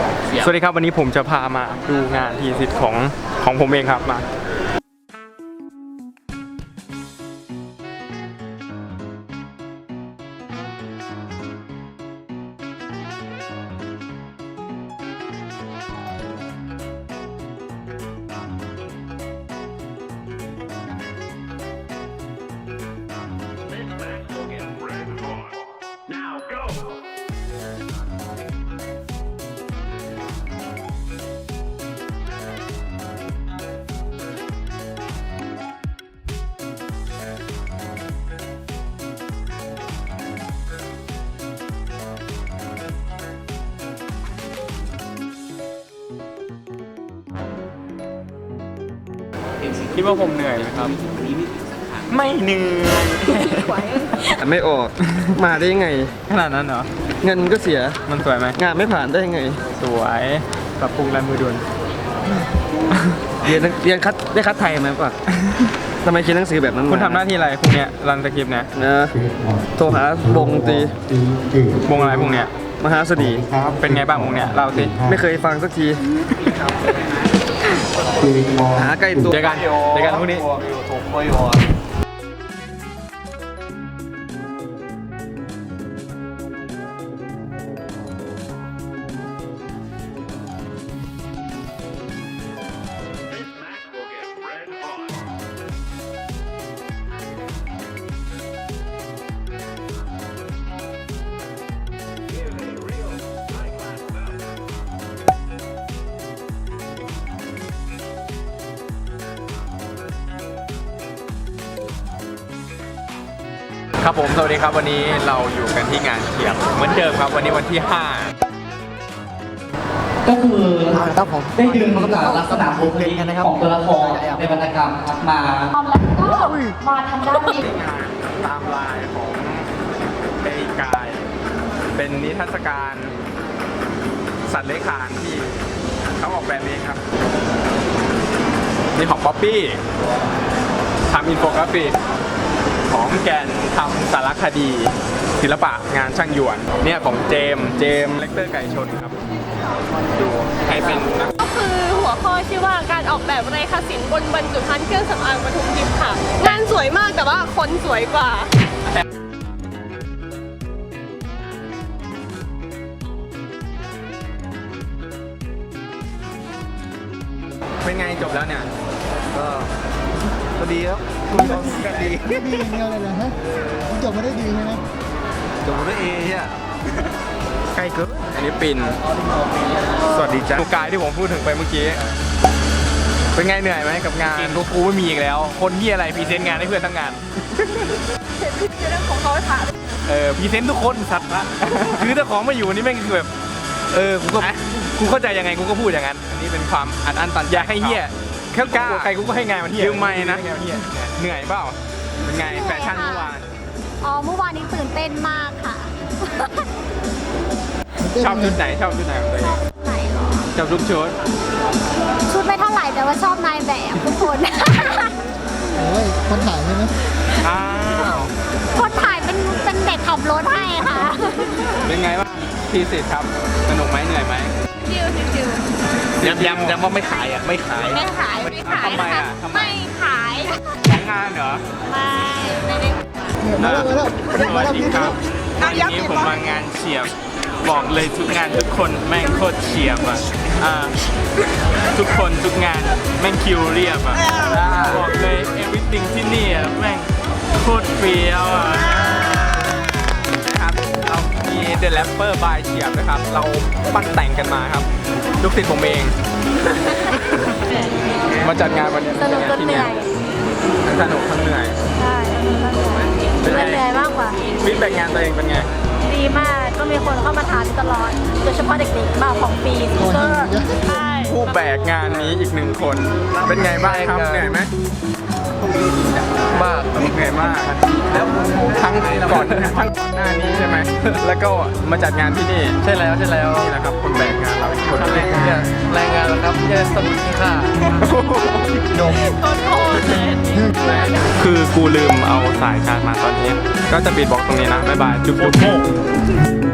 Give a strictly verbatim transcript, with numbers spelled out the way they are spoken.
สวัสดีครับวันนี้ผมจะพามาดูงานทีสิทธิ์ของของผมเองครับมาคิดว่าผมเหนื่อยไหมครับไม่เหนื่อยไม่ออกมาได้ยังไงขนาดนั้นเหรอเงินก็เสียมันสวยไหมงานไม่ผ่านได้ยังไงสวยปรับปรุงลายมือด่วนเรียนเรียนคัดได้คัดไทยไหมป่ะทำไมเขียนหนังสือแบบนั้นคุณทำหน้าที่อะไรพวกเนี้ยรันสคริปต์เนี่ยนะโทรหาวงตีวงอะไรพวกเนี้ยมหาสดีเป็นไงบ้างวงเนี้ยเล่าสิไม่เคยฟังสักทีหาใกล้ตัวเจอกันเจอกันพวกนี้ครับผมสวัสดีครับวันนี้เราอยู่กันที่งานเขียงเหมือนเดิมครับวันนี้วันที่ห้าก็คือครับผมได้ดึงลักษณะบุคลิกของตัวละครในวรรณกรรมครับมาแล้วก็มาทำด้านนี้งานตามลายของเอกายเป็นนิทรรศการสัตว์เลื้อยคลานที่เขาออกแบบเองครับนี่ของป๊อปปี้ทำอินโฟกราฟิกของแกนทำสารคดีศิลปะงานช่างหยวนเนี่ยของเจมเจมเลคเตอร์ไก่ชนครับดูให้เป็นนะก็คือหัวข้อชื่อว่าการออกแบบเรขาศิลป์บนบรรจุภัณฑ์เครื่องสำอางปทุมทิพย์ค่ะงานสวยมากแต่ว่าคนสวยกว่าเป็นไงจบแล้วเนี่ยก็ก็ดีครับก็ดีดีเงี้ยเลยนะฮะจบมาได้ดีใช่ไหมจบมาได้เอใช่ใกล้เกินอันนี้ปินสวัสดีจ้าดูกายที่ผมพูดถึงไปเมื่อกี้เป็นไงเหนื่อยไหมกับงานกูกูไม่มีอีกแล้วคนที่อะไรพรีเซนต์งานให้เพื่อนทั้งงานเรื่องของเขาค่ะเออพรีเซนต์ทุกคนสัตว์ละคือถ้าของไม่อยู่นี่แม่งคือแบบเออกูก็กูเข้าใจยังไงกูก็พูดอย่างนั้นอันนี้เป็นความอัดอั้นตันอยากให้เหี้ยแค่กล้าใครกูก็ให้งานมันเหี้ยยืมไม่นะเหนื่อยเปล่าเป็นไงแฟชั่นเมื่อวานอ๋อเมื่อวานนี้ตื่นเต้นมากค่ะชอบชุดไหนชอบชุดไหนของตัวเองไหนหรอชอบทุกชุดชุดไม่เท่าไหร่แต่ว่าชอบนายแบบทุกคนโอ้ยคนถ่ายใช่ไหมอ้าวคนถ่ายเป็นเป็นเด็กขับรถให้ค่ะเป็นไงบ้างทีสิทธิ์ครับสนุกไหมเหนื่อยไหมชิวชิวย้ำย้ำย้ำว่าไม่ขายอ่ะไม่ขายไม่ขายไม่ขายทำไมอ่ะไม่ขายของงานเหรอไม่ไม่ได้มาแล้วมาแล้วสวัสดีครับวันนี้ผมมางานเฉียบบอกเลยทุกงานทุกคนแม่งโคตรเฉียบอ่ะอ่าทุกคนทุกงานแม่งคิวเรียบอ่ะบอกเลย everything ที่นี่อ่ะแม่งโคตรเฟี้ยวอ่ะนะครับเรามี The Rapper by เฉียบนะครับเราปั้นแต่งกันมาครับลูกศิษย์ผมเองมาจัดงานวันนี้สนุกจนเหนื่อยสนุกทั้งเหนื่อยใช่เหนื่อยมากกว่าฟีดแบ็กงานตัวเองเป็นไงดีมากก็มีคนเข้ามาถามตลอดโดยเฉพาะเด็กๆมาของปีก็ใช่ผู้แบกงานนี้อีกหนึ่งคนเป็นไงบ้างครับเหนื่อยไหมมากเหนื่อยมากแล้วทั้งก่อนทั้งก่อนหน้านี้ใช่ไหมแล้วก็มาจัดงานที่นี่ใช่แล้วใช่แล้วนี่แหละครับคนแบกงานเราคนแรงงานแรงงานแล้วครับแค่สมุดที่ค่าดมคือกูลืมเอาสายชาร์จมาตอนนี้ก็จะปิดบล็อกตรงนี้นะบ๊ายบายจุ๊บจุ๊บ